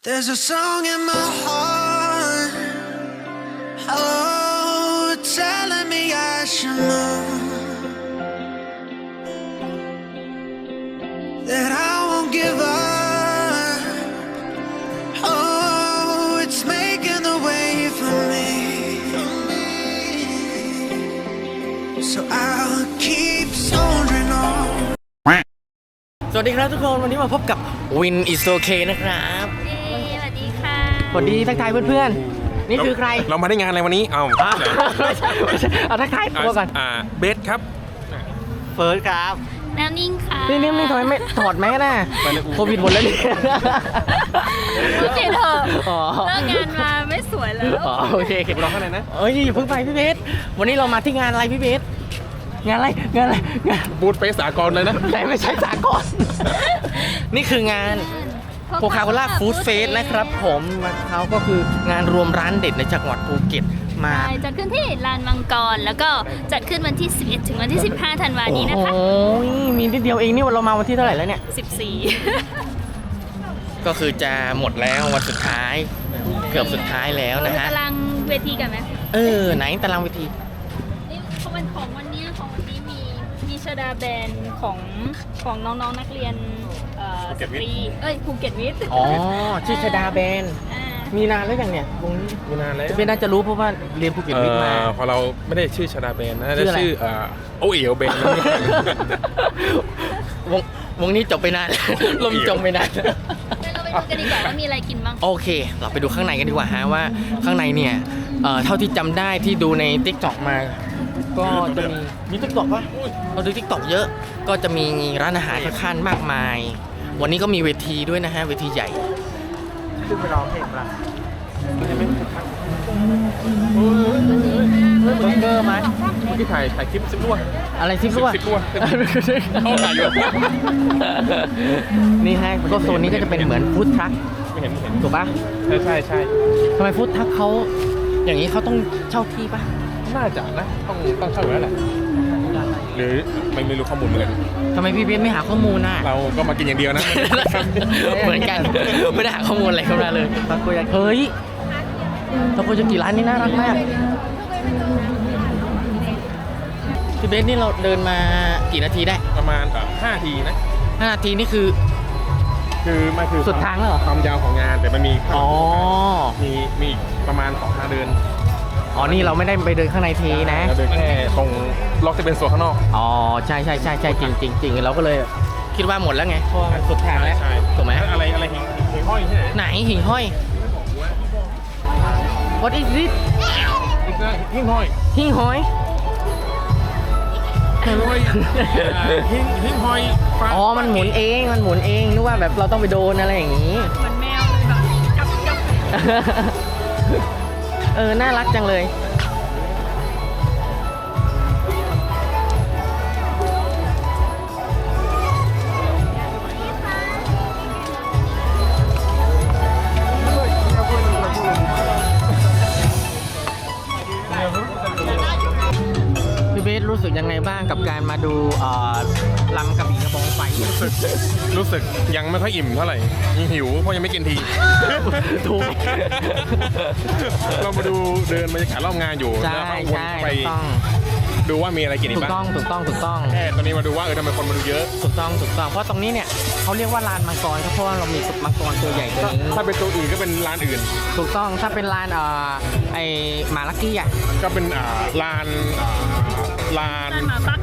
There's a song in my heart, oh, telling me I should know that I won't give up. Oh, it's making the way for me, so I'll keep soldiering on. สวัสดีครับทุกคนวันนี้มาพบกับ Win is okay นะครับสวัสดีค่ะสวัสดีทักทายเพื่อนๆนี่คือใครเรามาได้งานอะไรวันนี้เอาทักทายตัวก่อนเบสครับเฟิร์สครับน้ำนิ่งค่ะนี่ทำไมไม่ถอดแมสน่ะโควิดหมดแล้วนี่พูดเถอะเลิกงานมาไม่สวยแล้วโอเคเก็บรอข้างในนะอย่าเพิ่งไปพี่เบสวันนี้เรามาที่งานอะไรพี่เบสงานอะไรบูธเฟสสากลเลยนะไม่ใช่สากลนี่คืองานโคคาโคล่าฟู้ดเฟสนะครับผมเขาก็คืองานรวมร้านเด็ดในจังหวัดภูเก็ตมาจัดขึ้นที่ลานมังกรแล้วก็จัดขึ้นวันที่11ถึงวันที่15ธันวาคมนี้นะคะโอ้ยมีนิดเดียวเองนี่เรามาวันที่เท่าไหร่แล้วเนี่ย 14 ก็คือจะหมดแล้ววันสุดท้ายเกือบสุดท้ายแล้วนะฮะตารางเวทีกันไหมไหนตารางเวทีนี่ของวันนี้มีชดาแบนของน้องๆนักเรียนสตรีภูเก็ตวิทย์ชื่อชดาแบนมีนานแล้วอย่างเนี่ยวงนี้มีนานแล้วจะเป็นน่าจะรู้เพราะว่าเรียนภูเก็ตวิทย์มาพอเราไม่ได้ชื่อชดาแบนนะจะชื่อโอเอ๋วแบนวงนี้จบไปนานลมจมไปนานเราไปดูกันดีกว่าว่ามีอะไรกินบ้างโอเคเราไปดูข้างในกันดีกว่าฮะว่าข้างในเนี่ยเท่าที่จำได้ที่ดูใน TikTok มาก็จะมี TikTok ป่ะเราดู TikTok เยอะก็จะมีร้านอาหารค่อนมากมายวันนี้ก็มีเวทีด้วยนะฮะเวทีใหญ่ขึ้นไปร้องเพลงละเบอร์เกอร์ไหมเมื่อกี้ถ่ายคลิปซิปรั่วอะไรซิปรั่วเข้าถ่ายอยู่นี่ฮะก็โซนนี้ก็จะเป็นเหมือนฟู้ดทรัคไม่เห็นถูกป่ะใช่ทำไมฟู้ดทรัคเขาอย่างนี้เขาต้องเช่าที่ป่ะน่าจะนะต้องเช่าอยู่แล้วแหละหรือไม่รู้ข้อมูลเหมือนกันทำไมพี่เบนไม่หาข้อมูลน่ะเราก็มากินอย่างเดียวนะเหมือนกันไม่ได้หาข้อมูลอะไรเข้ามาเลยตะโกยาเฮ้ยตะโกยากิร้านนี้น่ารักมากพี่เบนนี่เราเดินมากี่นาทีได้ประมาณ5 นาทีนะ 5 นาทีนี่คือมันคือสุดทางแล้วเหรอความยาวของงานแต่มันมีมีประมาณ2 ทางเดินนี่เราไม่ได้ไปเดินข้างในทีนะเราเดินแค่ตรงล็อกจะเป็นโซนข้างนอกใช่จริงเราก็เลยคิดว่าหมดแล้วไงเพราะมันสุดทางแล้วถูกไหมอะไรหิ่งห้อยที่ไหนหิ่งห้อย What is it หิ่งห้อยหิ่งห้อยหิ่งห้อยมันหมุนเองนึกว่าแบบเราต้องไปโดนอะไรอย่างนี้เหมือนแมวเลยแบบจับน่ารักจังเลยพี่เบสรู้สึกยังไงบ้างกับการมาดูลำกระบี่กระบองไฟรู้สึกยังไม่ค่อยอิ่มเท่าไหร่ยังหิวเพราะยังไม่กินทีถูกเรามาดูเดินบรรยากาศรอบงานอยู่แล้วก็วนไปดูว่ามีอะไรกินอีกบ้างถูกต้องแค่ตอนนี้มาดูว่าทำไมคนมาดูเยอะถูกต้องเพราะตรงนี้เนี่ยเขาเรียกว่าลานมังกรเพราะว่าเรามีมังกรตัวใหญ่ตัวนี้ถ้าเป็นตัวอื่นก็เป็นร้านอื่นถูกต้องถ้าเป็นลานไอหมาลักกี้อ่ะก็เป็นลานหมาปัก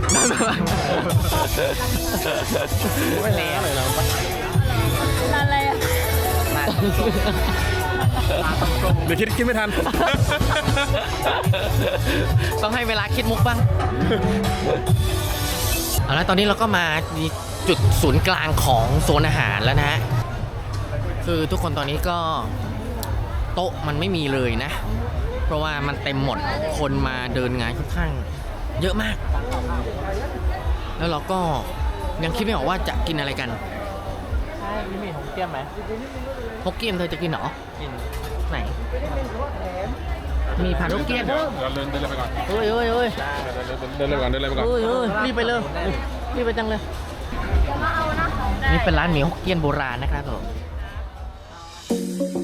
ไม่แล้วเลยเราลานอะไรอ่ะเดี๋ยวคิดไม่ทันต้องให้เวลาคิดมุกบ้างแล้วตอนนี้เราก็มาจุดศูนย์กลางของโซนอาหารแล้วนะคือทุกคนตอนนี้ก็โต๊ะมันไม่มีเลยนะเพราะว่ามันเต็มหมดคนมาเดินงานค่อนข้างเยอะมากแล้วเราก็ยังคิดไม่ออกว่าจะกินอะไรกันใช่มีฮกเกี้ยมไหมฮกเกี้ยมเธอจะกินหรอกินไหนมีผัดฮกเกี้ยมเดินเลยไปก่อนเฮ้ยเดินเลยไปก่อนรีบไปเลยรีบไปจังเลยนี่เป็นร้านหมี่ฮกเกี้ยนโบราณนะครับผม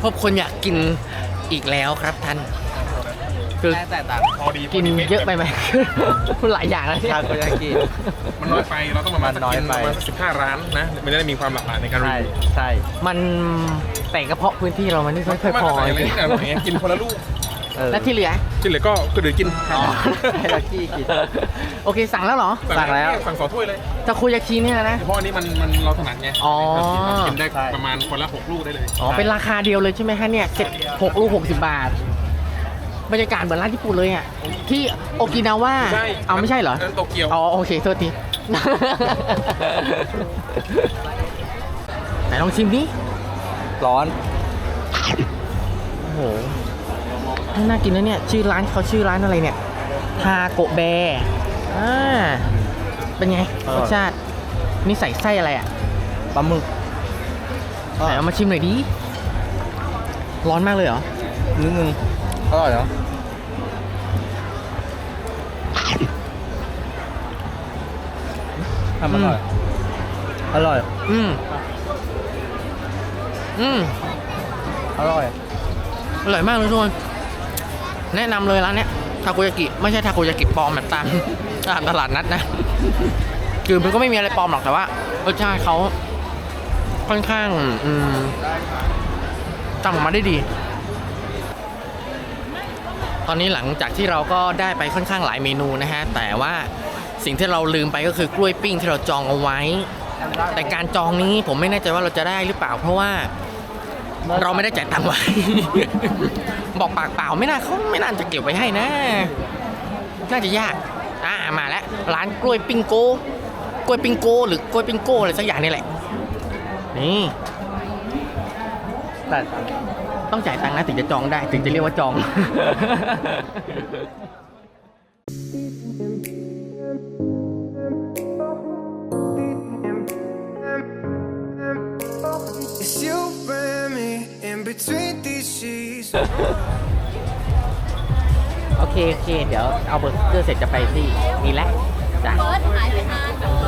พบคนอยากกินอีกแล้วครับท่านคือแต่ต่างพอดีกินเยอะไปไหม หลายอย่างแล้วเนี่ยทาโกยากิมันน้อยไปเราต้องประมาณมันน้อยไปประมาณ15 ร้านนะมันจะได้มีความหลากหลายในการรีใช่วิวใช่มันแต่กระเพาะพื้นที่เรามันไม่ค่อยพอไม่จได้ริงใส่อะไรเนี่ยกินคนละลูกและที่เหลือที่เหลือก็เดี๋ยวกินอ๋อให้เรากี้กินโอเคสั่งแล้วเหรอสั่งแล้วสั่ง2 ถ้วยเลยทาโกยากิเนี่ยนะเพราะอันนี้มันเราถนัดไงอ๋อกินได้ประมาณคนละ6 ลูกได้เลยอ๋อเป็นราคาเดียวเลยใช่ไหมฮะเนี่ย6 ลูก 60 บาท บรรยากาศเหมือนร้านญี่ปุ่นเลยอ่ะที่โอกินาวาใช่เอาไม่ใช่เหรอนั่นโตเกียวอ๋อโอเคโทษที ไหนลองชิมดิร้อนโอ้โหน่ากินนะเนี่ยชื่อร้านเขาชื่อร้านอะไรเนี่ยทาโกแบร์เป็นไงรสชาตินี่ใส่ไส้อะไรอ่ะปลาหมึกไหนเอามาชิมหน่อยดิร้อนมากเลยเหรอนิดนึงอร่อยเนาะทำอร่อย อร่อยอืมอร่อยอร่อยมากเลยทุกคนแนะนำเลยร้านเนี้ยทาโกยากิไม่ใช่ทาโกยากิปลอมแบบตามตลาดนัดนะ คือมันก็ไม่มีอะไรปลอมหรอกแต่ว่ารสชาติเขาค่อนข้างทำออกมาได้ดี ตอนนี้หลังจากที่เราก็ได้ไปค่อนข้างหลายเมนูนะฮะแต่ว่าสิ่งที่เราลืมไปก็คือกล้วยปิ้งที่เราจองเอาไว้ แต่การจองนี้ผมไม่แน่ใจว่าเราจะได้หรือเปล่าเพราะว่าเราไม่ได้จ่ายตังค์ไว้ บอกปากเปล่าไม่น่าเขาไม่น่าจะเก็บไว้ให้นะน่าจะยากมาแล้วร้านกล้วยปิ้งโกหรือกล้วยปิ้งโกอะไรสักอย่างนี่แหละนี่แต่ต้องจ่ายตังค์นะถึงจะจองได้ถึงจะเรียกว่าจอง It's you and me in between these sheets. โอเคเดี๋ยวเอาเบอร์เกอร์เสร็จจะไปที่นี่แหละจ้ะเบิร์ดหายไปนานจังเลย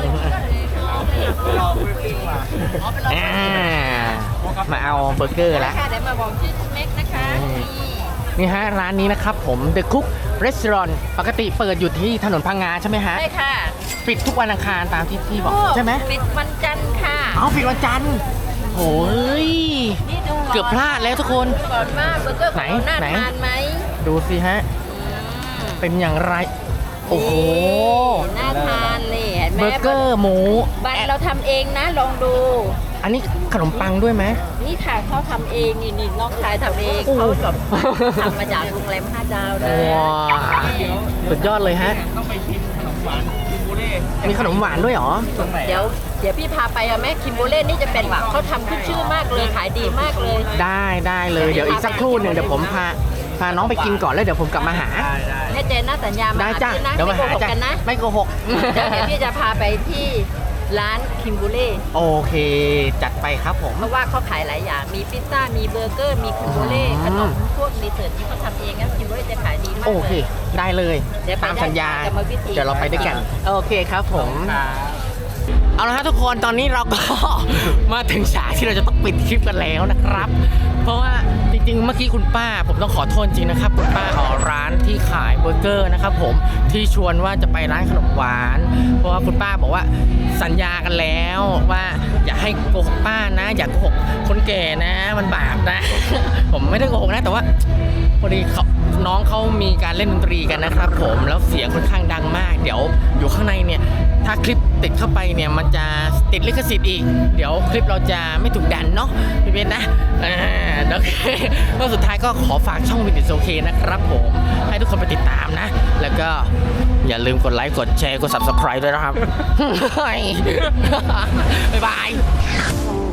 มาเอาเบอร์เกอร์แล้วค่ะเดี๋ยวมาบอกชื่อเม็กนะคะนี่นี่ฮะร้านนี้นะครับผม The Cook Restaurant ปกติเปิดอยู่ที่ถนนพังงาใช่ไหมฮะใช่ค่ะปิดทุกวันอังคารตามที่พี่บอกใช่ไหมปิดวันจันทร์ค่ะอ๋อปิดวันจันทร์โอ้ยนี่ดูเกือบพลาดแล้วทุกคนก่อนมากเบอร์เกอร์ของเราน่าทานไหมดูสิฮะ เป็นอย่างไร โอ้โหน่าทานเลยเห็นไหมเบอร์เกอร์หมูบันเราทำเองนะลองดูอันนี้ขนมปังด้วยไหมนี่ค่ะเขาทำเองนี่น้องชายทำเองโอ้โหเขาแบบทำมาจากโรงแรม5 ดาวเลยว้าวสุดยอดเลยฮะ มีขนมหวานด้วยเหรอเดี๋ยวพี่พาไปอะแม่คิมโบเล่นี่จะเป็นแบบเขาทำขึ้นชื่อมากเลยขายดีมากเลยได้เลยเดี๋ยวอีกสักครู่หนึ่งเดี๋ยวผมพาน้องไปกินก่อนแล้วเดี๋ยวผมกลับมาหาแน่ใจนะสัญญามาได้จ้ะที่นะเดี๋ยวไม่มาโกหาหกจ้ะกันนะไม่โกหกเดี๋ยวพี่จะพาไปที่ร้านคิมโบเล่โอเค จัดไปครับผมเพราะว่าเขาขายหลายอย่างมีพิซซ่ามีเบอร์เกอร์มีคิมโบเล่ขนมพวกดีเซอร์ทที่เขาทำเองนะคิมโบเล่จะขายดีมากโอเคเลยได้เลยเดี๋ยวไปตามสัญญาได้กรรมวิธีเดี๋ยวเราไปด้วยกัน โอเคครับผม เอาละฮะทุกคนตอนนี้เราก็ มาถึงฉากที่เราจะต้องปิดคลิปกันแล้วนะครับ เพราะว่าจริงๆเมื่อกี้คุณป้าผมต้องขอโทษจริงนะครับคุณป้าของร้านที่ขายเบอร์เกอร์นะครับผมที่ชวนว่าจะไปร้านขนมหวาน เพราะว่าคุณป้าบอกว่าสัญญากันแล้วว่าอย่าให้โกหกป้านะ อย่าโกหกคนแก่นะมันบาปนะ ผมไม่ได้โกหกนะแต่ว่าพอดีน้องเขามีการเล่นดนตรีกันนะครับผมแล้วเสียงค่อนข้างดังมาก เดี๋ยวอยู่ข้างในเนี่ยถ้าคลิปติดเข้าไปเนี่ยมันจะติดลิขสิทธิ์อีกเดี๋ยวคลิปเราจะไม่ถูกดันเนาะพี่เบนนะโอเคแล้วสุดท้ายก็ขอฝากช่องวินดิโอเคนะครับผมให้ทุกคนไปติดตามนะ แล้วก็อย่าลืมกดไลค์กดแชร์กด subscribe ด้วยนะครับ บ๊ายบาย